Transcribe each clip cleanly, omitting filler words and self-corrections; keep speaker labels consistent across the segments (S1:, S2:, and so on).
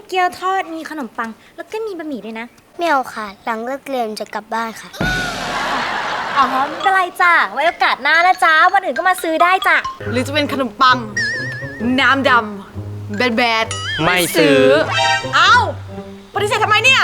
S1: เกี๊ยวทอดมีขนมปังแล้วก็มีบะหมี่ด้วยนะ
S2: ไม่เอาค่ะหลังเลิกเรียนจะกลับบ้านค่ะ
S1: อ๋อไม่เป็นไรจ้ะไว้โอกาสหน้านะจ๊ะวันอื่นก็มาซื้อได้จ้ะ
S3: หรือจะเป็นขนมปังน้ำดำแบด
S4: ไม่ซื้อ
S3: เอ้าปฏิเสธทำไมเนี่ย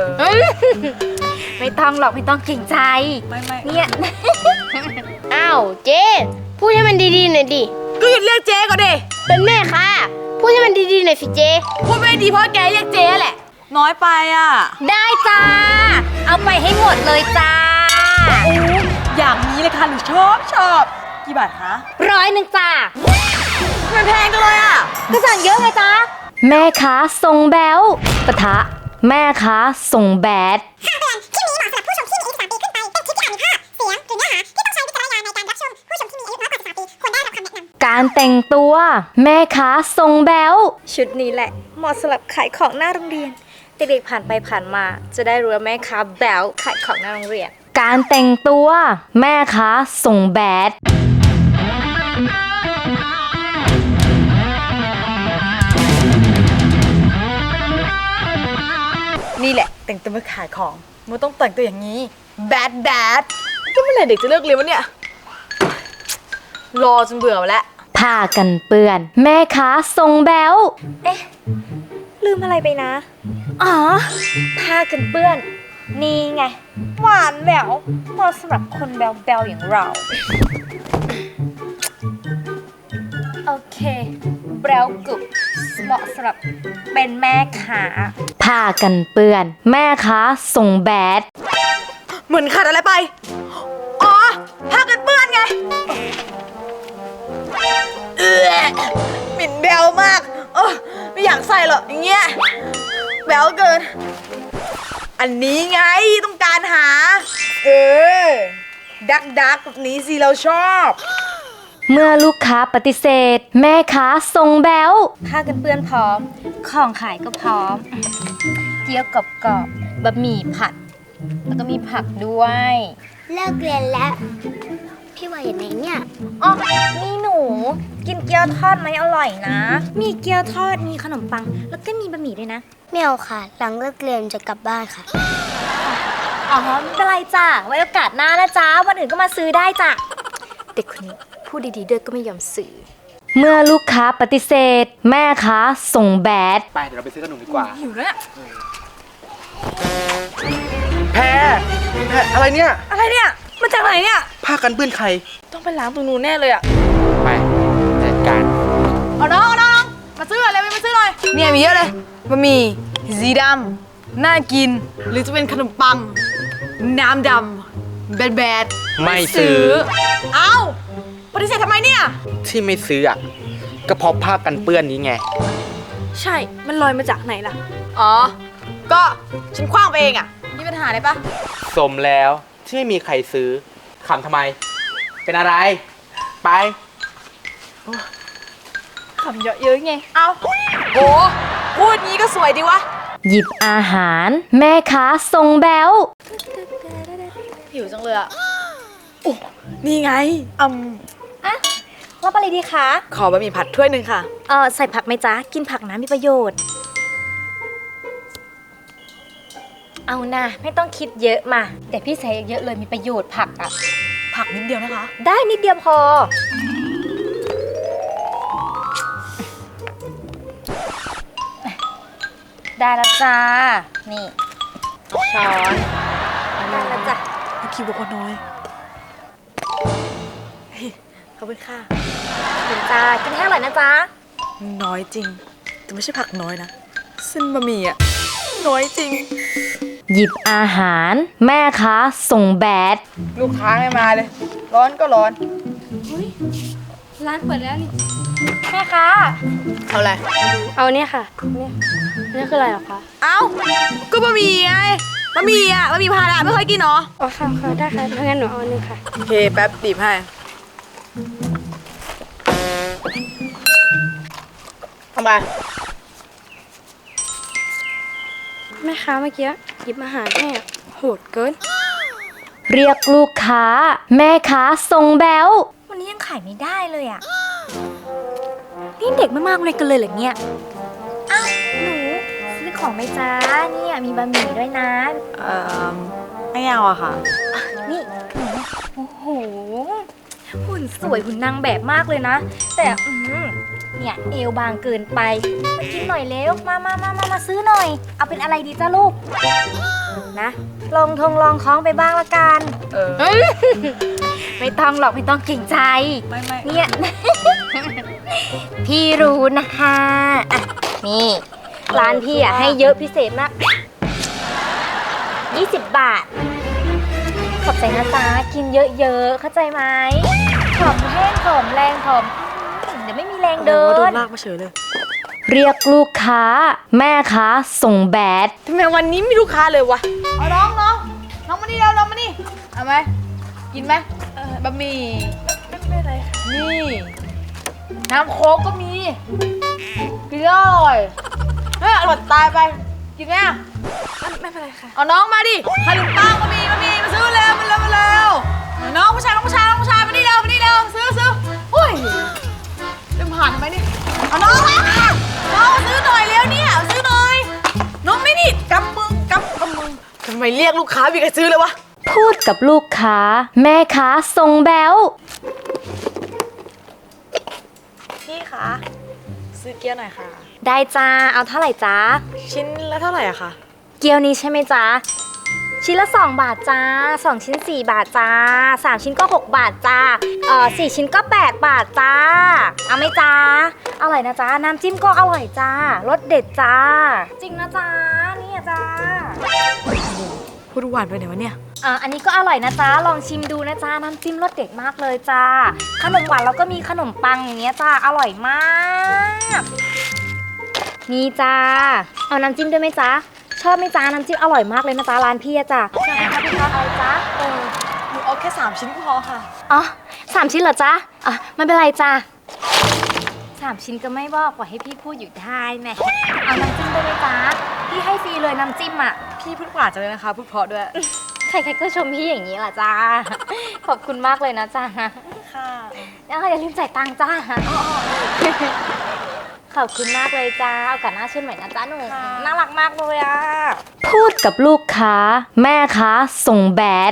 S1: ไม่ต้องหรอกไม่ต้องเกรงใจ
S3: ไม่
S1: เนี่ย
S2: อ้าวเจ๊พูดให้มันดีๆหน่อยดิ
S3: ก็หยุดเรียกเจ๊ก่อนดิ
S2: เป็นแม่ค่ะพูดให้มันดีๆหน่อยสิเจ๊
S3: พูดไม่ดีเพราะแกเรียกเจ๊แหละน้อยไปอ่ะ
S1: ได้จ้าเอาไปให้หมดเลยจ้า
S3: อย่างนี้เลยค่ะหนูชอบกี่บาทคะ
S1: 100จ้า
S3: มันแพงจังเลยอ่ะ
S1: ก็สั่งเยอะไงจ้า
S5: แม่ค้าทรงแบ๊วปะทะแม่ค้าทรงแบด
S6: คำเตือนคลิปนี้เหมาะสำหรับผู้ชมที่มีอายุ13ปีขึ้นไป เป็นคลิปที่อาจมีภาพ เสียง หรือเนื้อหาที่ต้องใช้วิจารณญาณในการรับชม ผู้ชมที่มีอายุน้อยกว่า13ปีควรได้รับคำแนะนำ
S5: การแต่งตัวแม่ค้าทรงแบ๊ว
S1: ชุดนี้แหละเหมาะสำหรับขายของหน้าโรงเรียนเด็กๆผ่านไปผ่านมาจะได้รู้ว่าแม่ค้าแบ๊วขายของหน้าโรงเรียน
S5: การแต่งตัวแม่ค้าทรงแบด
S3: นี่แหละแต่งตัวมาขายของมันต้องแต่งตัวอย่างนี้แบดก็เมื่อไหร่เด็กจะเลิกเรียนวะเนี่ยรอจนเบื่อแล้ว
S5: ผ้ากันเปื้อนแม่ค้าทรงแบ๊ว
S1: เอ๊ะลืมอะไรไปนะอ๋อผ้ากันเปื้อนนี่ไงหวานแหววเหมาะสำหรับคนแบวๆอย่างเราโอเคแบวกรุบเหมาะสำหรับเป็นแม่ค้า
S5: ผ้ากันเปื้อนแม่ค้าทรงแบด
S3: เหมือนขาดอะไรไปอ๋อผ้ากันเปื้อนไงหมิ่นแบวมากไม่อยากใส่หรอกอย่างเงี้ยแบวเกินอันนี้ไงต้องการหาดักแบบนี้สิเราชอบ
S5: เมื่อลูกค้าปฏิเสธแม่ค้าทรงแบ๊ว
S1: ผ้ากันเปื้อนพร้อมของขายก็พร้อมเกี๊ยวกรอบๆบะหมี่ผัดแล้วก็มีผักด้วย
S2: เลิกเรียนแล้วพี่ว่าอย่างไรเนี่ย
S1: อ๋อนี่หนูกินเกี๊ยวทอดไหมอร่อยนะมีเกี๊ยวทอดมีขนมปังแล้วก็มีบะหมี่ด้วยนะ
S2: ไม่เอาค่ะหลังเลิกเรียนจะกลับบ้านค่ะ
S1: อ๋อไม่เป็นไรจ้ะไว้โอกาสหน้านะจ๊ะวันอื่นก็มาซื้อได้จ้ะเด็กคนนี้พูดดีๆด้วยก็ไม่ยอมซื้อ
S5: เมื่อลูกค้าปฏิเสธแม่ค้าทรงแบด
S4: ไปเดี๋ยวเราไปซื้อขนมดีกว่า
S3: หิวแล้ว
S4: แพรอะไรเนี่ย
S3: มาจากไหนเนี่ย
S4: ผ้ากันเปื้อนใคร
S3: ต้องไปล้างตรงนู้นแน่เลยอ่ะ
S4: ไปจัดการ
S3: เอาน้องมาซื้ออะไรมาซื้อหน่อยเนี่ยมีเยอะเลยบะหมี่สีดำน่ากินหรือจะเป็นขนมปังน้ำดำแบด
S4: ไม่ซื้อ
S3: เอ้าปฏิเสธทำไมเนี่ย
S4: ที่ไม่ซื้ออ่ะก็เพราะผ้ากันเปื้อนนี้ไง
S3: ใช่มันลอยมาจากไหนล่ะอ๋อก็ฉันคว้างไปเองอ่ะมีปัญหาอะไรปะ
S4: สมแล้วที่ไม่มีใครซื้อขำทำไมเป็นอะไรไป
S3: ขำเยอะๆไงเอาโหพูดงี้ก็สวยดีวะ
S5: หยิบอาหารแม่ค้าทรงแบ๊ว
S3: หิวจังเลยอ่ะโอ้นี่ไง
S1: อะรับอะไรดีคะ
S3: ขอบะหมี่ผัดถ้วยหนึ่งค่ะ
S1: ใส่ผักไหมจ๊ะกินผักนะมีประโยชน์เอานะไม่ต้องคิดเยอะมาแต่พี่ใส่เยอะเลยมีประโยชน์ผักอ่ะ
S3: ผักนิดเดียวนะคะ
S1: ได้นิดเดียวพอได้แล้วจ้านี่ช้อนได้แล้วจ้ะ
S3: คิวบอกว่าน้อยขอบคุณค่ะ
S1: คุณจ้ากินให้อร่อยนะจ๊ะ
S3: น้อยจริงแต่ไม่ใช่ผักน้อยนะเส้นบะหมี่อะน้อยจริง
S5: หยิบอาหารแม่ค้าทรงแบด
S3: ลูกค้าไม่มาเลยร้อนก็ร้อน
S1: ร้านเปิดแล้วนี่แม่ค้า
S3: เอาอะไร
S1: เอาเนี่ยค่ะนี่คืออะไรหรอคะ
S3: เอาก็บะหมี่ไงบะหมี่พาราไม่เคยกินหรอ
S1: อ๋อค่ะได้ค่ะงั้นหนูเอาหนึ่งค่ะ
S3: โอเคแป๊บบีบให้ทำไม
S1: แม่ค้าเมื่อกี้หยิบอาหารให้โหดเกิน
S5: เรียกลูกค้าแม่ค้าทรงแบ๊ว
S1: วันนี้ยังขายไม่ได้เลยอ่ะนี่เด็กไม่มากเลยกันเลยเหรอเนี่ยอ้าวหนูซื้ของไหมจ้าเนี่ยมีบะหมี่ด้วยนะ
S3: ไม่เอาอะค่ะ
S1: นี่ขนมโอ้โหหุ่นสวยหุ่นนางแบบมากเลยนะ แต่เนี่ยเอวบางเกินไปมากินหน่อยเร็วมาซื้อหน่อย เอาเป็นอะไรดีจ้าลูกนะลองคล้องไปบ้างละกัน ไม่ต้องหรอกไม่ต้องเกรงใจ
S3: ไม่
S1: เนี่ย พี่รู้นะคะอ่ะนี่ร้านพี่อ่ะให้เยอะพิเศษมาก20 บาท ขอบใจนะจ๊ะกินเยอะๆเข้าใจไหมผอมแห้งผอมแรงผอมเดี๋ยวไม่มีแรงเดิ
S3: โด
S1: น
S3: นลากมาเฉยเลย
S5: เรียกลูกค้า แม่ค้าส่งแบด
S3: ทำไมวันนี้ไม่ลูกค้าเลยวะ เอาน้องมานี่น้องมานี่ เอาไหม กินไหมบะหมี่ไม่เป็นไรค่ะ นี่ น้ำโค้กก็มี กินแล้วอร่อยเฮ้ยอร่อยตายไป กินไหมอะไม่เป็นไรค่ะ เอาน้องมาดิขนมปังก็มีมาซื้อเร็วมาเร็วน้องผู้ชายมานี่เร็วซื้ออุ้ยเดินผ่านทำไมนี่เอาน้องมาน้องซื้อหน่อยเร็วเนี่ยซื้อหน่อย น้องไม่นี่กำมือทำไมเรียกลูกค้ามีใครซื้อเลยวะ
S5: พูดกับลูกค้า แม่ค้าส่งแบว
S3: พี่คะซื้อเกี๊ยวหน่อยค่ะ
S1: ได้จ้าเอาเท่าไหร่จ้า
S3: ชิ้นละเท่าไหร่อะคะ
S1: เกี๊ยวนี้ใช่ไหมจ๊ะชิ้นละ2 บาทจ้า2 ชิ้น4 บาทจ้า3 ชิ้นก็6 บาทจ้า4 ชิ้นก็8 บาทจ้าเอาไหมจ้าอร่อยนะจ้าน้ำจิ้มก็อร่อยจ้ารสเด็ดจ้าจริงนะจ้าเนี่ยจ้า
S3: พูดหวานไปไหนวะเนี่ย
S1: อันนี้ก็อร่อยนะจ้าลองชิมดูนะจ้าน้ำจิ้มรสเด็ดมากเลยจ้าขนมหวานเราก็มีขนมปังอย่างเงี้ยจ้าอร่อยมากนี่จ้าเอาน้ำจิ้มด้วยไหมจ้าชอบไหมจ้าน้ำจิ้มอร่อยมากเลยนะจ้าร้านพี่อะจ้าใช่ค่ะพี่คะเอาจ้า
S3: หนูเอาแค่3 ชิ้นก็พอค่ะ
S1: อ๋อ3 ชิ้นเหรอจ้าไม่เป็นไรจ้า3 ชิ้นก็ไม่บอกปล่อยให้พี่พูดอยู่ได้แหมเอาน้ำจิ้มด้วยไหมจ้าพี่ให้ฟรีเลยน้ำจิ้มอ่ะ
S3: พี่พูดหวานจังเลยนะคะ พูดเพราะด้วย
S1: ใครๆก็ชมพี่อย่างนี้แหละจ้า ขอบคุณมากเลยนะจ้า
S3: ค่ะ
S1: อย่าลืมจ่ายตังค์จ้า ขอบคุณมากเลยจ้าโอกาสหน้าเชิญใหม่นะจ้าหนูน่ารักมากเลยอ่ะ
S5: พูดกับลูกค้า แม่ค้าส่งแบด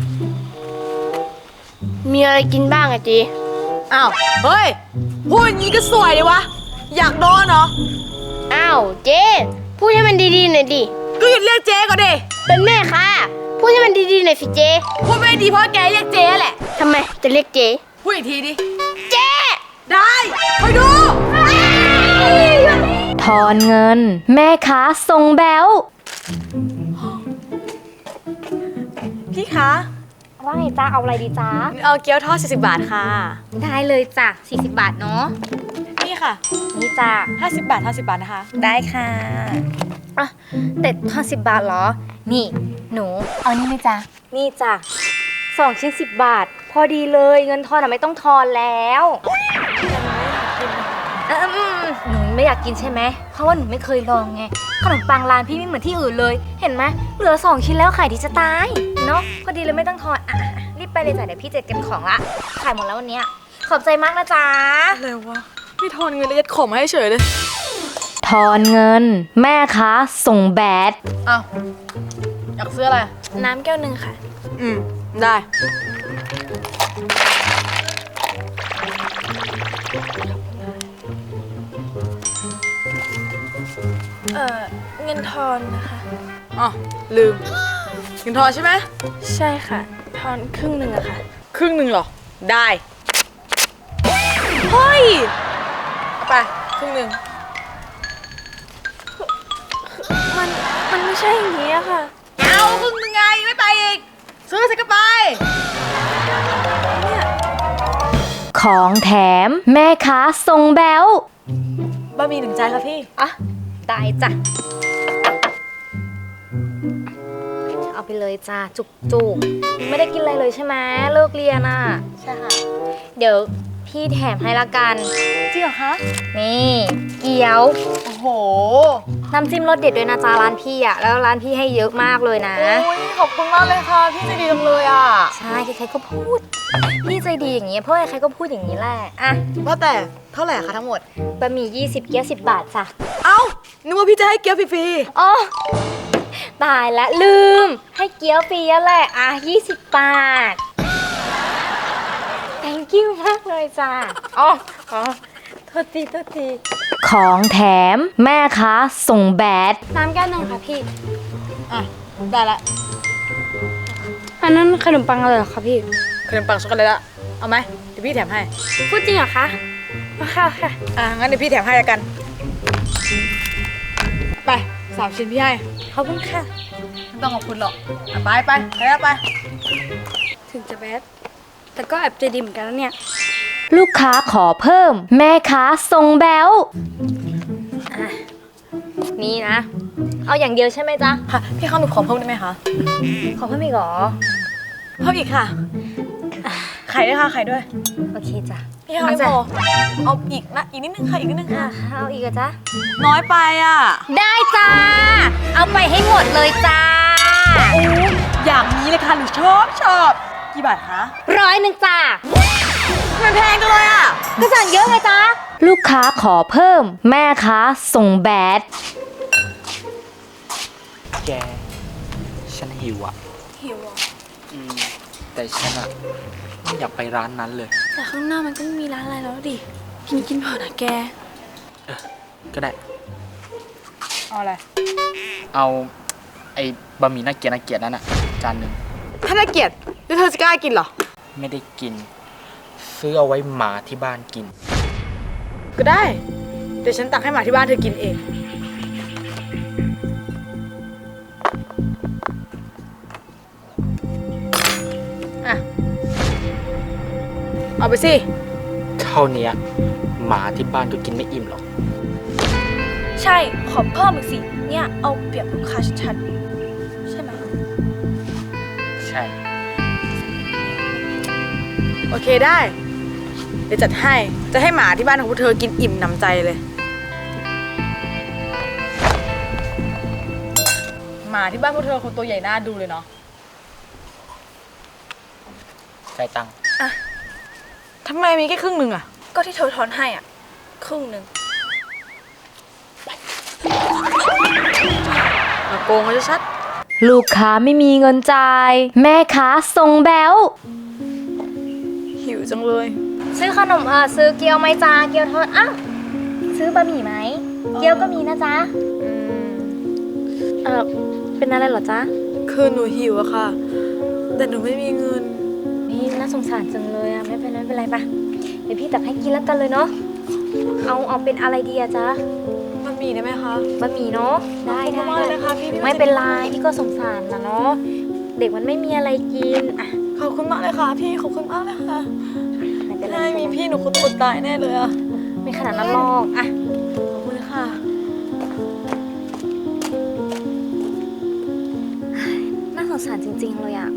S2: มีอะไรกินบ้างอะเจ
S3: อ้าว เฮ้ย พูดอย่างนี้ก็สวยเลยวะ อยากโดนเหรอ
S2: อ้าวเจพูดให้มันดีๆหน่อยดิ
S3: ก็หยุดเรียกเจ๊ก่อนดิ
S2: เป็นแม่ค่ะพูดให้มันดีๆหน่อยสิเจ
S3: พูดไม่ดีเพราะแกเรียกเจ๊แหละ
S2: ทำไมจะเรียกเจ
S3: พูดอีกทีดิ
S2: เจ
S3: ได้ไปดู
S5: ทอนเงิน แม่ค้าส่งแบว
S3: พี่คะ
S1: ว่าไงจ้าเอาอะไรดีจ้า
S3: เอาเกี๊ยวทอด40 บาทค่ะ
S1: ได้เลยจ้ะ40 บาทเนาะ
S3: นี่ค่ะ
S1: นี่จ้า
S3: 50 บาทนะคะ
S1: ได้ค่ะแต่ทอน10 บาทเหรอ นี่หนูเอานี่ไหมจ๊ะนี่จ้ะ2 ชิ้น10 บาท พอดีเลยเงินทอนอะไม่ต้องทอนแล้วหนูไม่อยากกินใช่ไหมเพราะว่าหนูไม่เคยลองไงขนมปังร้านพี่ไม่เหมือนที่อื่นเลย เห็นไหมเหลือ2 ชิ้นแล้วขายดีจะตายเนาะพอดีเลยไม่ต้องทอนรีบไปเลยจ้ะเดี๋ยวพี่จะเก็บของละขายหมดแล้ววันเนี้ยขอบใจมากนะจ๊ะ
S3: อะไรวะพี่ทอนเงินแล้วยัดของมาให้เฉยเลย
S5: ทอนเงิน แม่ค้าส่งแบด
S3: อ้าว อยากซื้ออะไร
S1: น้ำแก้วหนึ่งค่ะ
S3: ได้
S7: เงินทอนนะคะ
S3: อ๋อ ลืม เงินทอนใช่ไหม
S7: ใช่ค่ะ ทอนครึ่งหนึ่งอะค่ะ
S3: ครึ่งหนึ่งเหรอ ได้ เฮ้ย เอาไปครึ่งหนึ่ง
S7: มันไม่ใช่อย่างนี้อะค่ะ
S3: เอาครึ่งหนึ่งไงไม่ไปอีก ซื้อสิก็ไป
S5: ของแถม แม่ค้าส่งแบว
S3: บะหมี่1 จานค่ะพี่
S1: ได้จ้ะเอาไปเลยจ้าจุกไม่ได้กินอะไรเลยใช่ไหมเลิกเรียนอ่ะ
S3: ใช่ค่ะ
S1: เดี๋ยวพี่แถมให้ละกัน
S3: จริงเหรอคะ
S1: นี่เกี๊ยว
S3: โอ้โห
S1: น้ำจิ้มรสเด็ดด้วยนะจ๊ะร้านพี่อ่ะแล้วร้านพี่ให้เยอะมากเลยนะ
S3: โอ้ยขอบคุณมากเลยค่ะ พี่ใจดีจังเลยอ่ะ
S1: ใช่ใครๆก็พูดพี่ใจดีอย่างเงี้ยเพราะใครๆก็พูดอย่างนี้แหละอ่ะ
S3: ว่าแต่เท่าไหร่คะทั้งหมด
S1: บะหมี่20 เกี๊ยว10 บาทจ้ะ
S3: เอ้านึกว่าพี่จะให้เกี๊ยวฟรี
S1: อ๋อตายละลืมให้เกี๊ยวฟรีแล้วแหละอ่ะ20 บาท thank you มากเลยจ้ะอ๋อโทษที
S5: ของแถมแม่ค้าส่งแบด
S1: น้ำแก้วหนึ่งค่ะพี่
S3: ๆอ่ะได้ละ
S1: อันนั้นขนมปังอะไรเหรอคะพี่
S3: ขนมปังช็อกโกแลตอะเอาไหมเดี๋ยวพี่แถมให้
S1: พูดจริงเหรอคะค่ะ
S3: งั้นเดี๋ยวพี่แถมให้แล้วกัน ไป3 ชิ้นพี่ให้
S1: ขอบคุณค่ะ
S3: ไม่ต้องขอบคุณหรอกอ่ะไปไปแล้วไป
S1: ถึงจะแบดแต่ก็แอบใจดีเหมือนกันนะเนี่ย
S5: ลูกค้าขอเพิ่ม แม่ค้าส่งแบว
S1: นี่นะ เอาอย่างเดียวใช่ไหมจ๊ะ
S3: ค่ะ พี่ข้าวหนูขอเพิ่มได้ไหมคะ
S1: ขอเพิ่มอีกเหรอ
S3: เพิ่มอีกค่ะ ไข่ด้วยค่ะ ไข่ด้วย
S1: โอเคจ้ะ
S3: พี่ข้าวไม่พอเอาอีกนะ อีกนิดนึงค่ะ อีกนิดนึง
S1: อ่ะ
S3: ค่ะ
S1: เอาอีกเหรอจ๊ะ
S3: น้อยไปอ่ะ
S1: ได้จ้า เอาไปให้หมดเลยจ้า
S3: อย่างนี้เลยค่ะหนูชอบ กี่บาทคะ
S1: 100จ้า
S3: มันแพงจังเลยอ่ะ
S1: ก็สั่งเยอะไงจ๊ะ
S5: ลูกค้าขอเพิ่ม แม่ค้าส่งแบด
S4: แก ฉันหิวอ่ะ
S7: หิวเหรอ
S4: แต่ฉันอ่ะไม่อยากไปร้านนั้นเลย
S7: แต่ข้างหน้ามันก็ไม่มีร้านอะไรแล้วดิ กินเถอะนะแก
S4: ก็ได้
S3: เอาอะไร
S4: เอาไอ้บะหมี่น่าเกลียดนั้นอ่ะ จานหนึ่ง
S3: ถ้าน่าเกลียดแล้วเธอจะกล้ากินเหรอ
S4: ไม่ได้กิน ซื้อเอาไว้หมาที่บ้านกิน
S3: ก็ได้ เดี๋ยวฉันตักให้หมาที่บ้านเธอกินเอง อ่ะ เอาไปสิ
S4: เท่าเนี้ยหมาที่บ้านก็กินไม่อิ่มหรอก
S7: ใช่ ขอเพิ่มอีกสิ เนี่ยเอาเปรียบลูกค้าชัดๆ ใช่ไหม
S4: ใช่
S3: โอเคได้ เดี๋ยวจัดให้ จะให้หมาที่บ้านของพวกเธอกินอิ่มหนำใจเลย หมาที่บ้านพวกเธอคงตัวใหญ่น่าดูเลยเนาะ
S4: จ่ายตังค์
S3: ทำไมมีแค่ครึ่งหนึ่งอะ
S7: ก็ที่เธอทอนให้อ่ะ ครึ่งหนึ่ง
S3: มาโกงเขาชัด
S5: ลูกค้าไม่มีเงินจ่าย แม่ค้าส่งแบว
S3: ๆหิวจังเลย
S1: ซื้อขนมซื้อเกี๊ยวไหมจ้า เกี๊ยวทอด อ้าว ซื้อบะหมี่ไหม เกี๊ยวก็มีนะจ๊ะ เป็นอะไรเหรอจ๊ะ
S3: คือหนูหิวอะค่ะ แต่หนูไม่มีเงิน
S1: นี่น่าสงสารจังเลยอะไม่เป็นไรปะเดี๋ยวพี่ตักให้กินแล้วกันเลยเนาะ เอาเป็นอะไรดีอะจ๊ะ
S3: มันมีได้ไหมคะ
S1: บะหมี่เนาะ ได้
S3: ขอบคุณมากเลยนะคะพี่
S1: ไม่เป็นไรพี่ก็สงสารนะเนาะ เด็กมันไม่มีอะไรกินอ่ะ
S3: ขอบคุณมากเลยค่ะพี่ ขอบคุณมากเลยค่ะ
S1: ไม่เป็นไร
S3: ถ้าไม่มีพี่หนูคงอดตายแน่เลยอะ
S1: ไม่ขนาดนั้นหรอกอ่ะ
S3: ขอบคุณค่ะ
S1: น่าสงสารจริงๆเลยอะ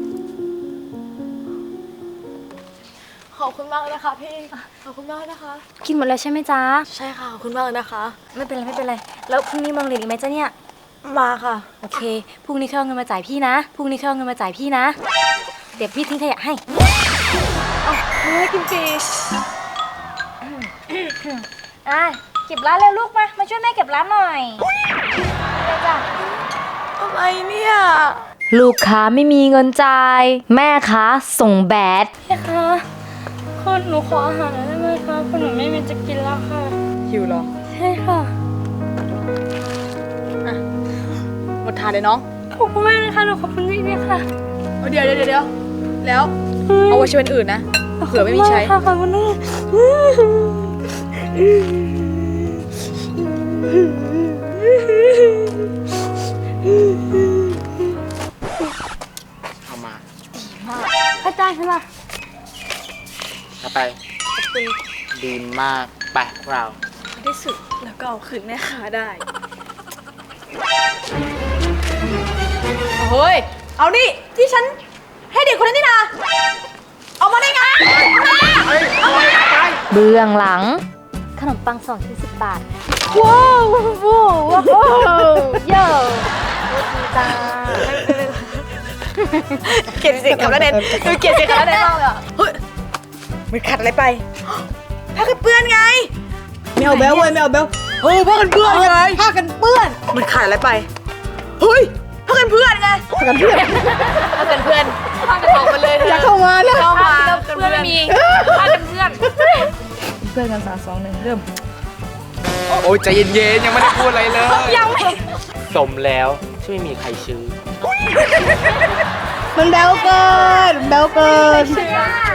S3: ขอบคุณมากเลยนะคะพี่ ขอบคุณมากนะคะ
S1: กินหมดแล้วใช่ไหมจ๊ะ
S3: ใช่ค่ะ ขอบคุณมากเลยนะคะ
S1: ไม่เป็นไร แล้วพรุ่งนี้มองเรียนอีกไหมจ๊ะเนี่ย
S3: มาค่ะ
S1: โอเค พรุ่งนี้เข้าเอาเงินมาจ่ายพี่นะ พรุ่งนี้เข้าเอาเงินมาจ่ายพี่นะ เดี๋ยวพี่ทิ้งขยะให้
S3: เฮ้ยกินฟรี
S1: อ่ะเก็บร้านเร็วลูกมา มาช่วยแม่เก็บร้านหน่อยเร็วจ้ะ
S3: อะไรเนี่ย
S5: ลูกค้าไม่มีเงินจ่าย แม่ค้าส่งแบด
S1: พี่คะคุณหนูขออาหารหน่อยได้ไหมคะคุณหนูไม่มีจะกินแล้วค่ะ
S3: หิวเหรอ
S1: ใช่ค่ะ
S3: หมดทานเลยน้อง
S1: ขอบคุณมากนะคะหนูขอบคุณจริงๆค่ะ
S3: เดี๋ยวแล้ว เอาไว้ใช้วันอื่นนะ เผื่อไม่มีใช้
S1: ขอบคุณมากค่ะ
S4: เอามา
S1: เข้าใจใช่ไหม
S4: เอาไปดีมาก ไปพวกเรา
S7: ที่สุดแล้วก็เอาคืนแม่ค้าได้
S3: เฮ้ย เอานี่ที่ฉันให้เด็กคนนั้นนี่นะ เอามาได้ไง
S5: เบื้องหลังขนมปัง2ชิ้น10 บาท
S2: ว้าวว้าวว้าวโย่
S3: เกลียดเสียงคำละเด่นเกลียดเสียงคำละเด่นมากเลยอ่ะเฮ้ยมันขัดอะไรไปผ้ากันเปื้อนไงไม่เอาแบลเว้ยไม่เอาแบลผ้ากันเปื้อนไงผ้ากันเปื้อนมันขัดอะไรไปเฮ้ยผ้ากันเปื้อนไงผ้ากันเปื้อนผ้ากันเปื้อนผ้ากันออกมาเลยจะเข้ามาแล้วเข้ามาเพื่อนไม่มีผ้ากันเปื้อนเพื่อนกัน3 2 1เริ่ม
S4: โอ้ยใจเย็นๆยังไม่ได้พูดอะไรเลย สมแล้วที่ไม่มีใครซื้อ
S3: มันแบลเกินแบลเกิน
S1: ใช่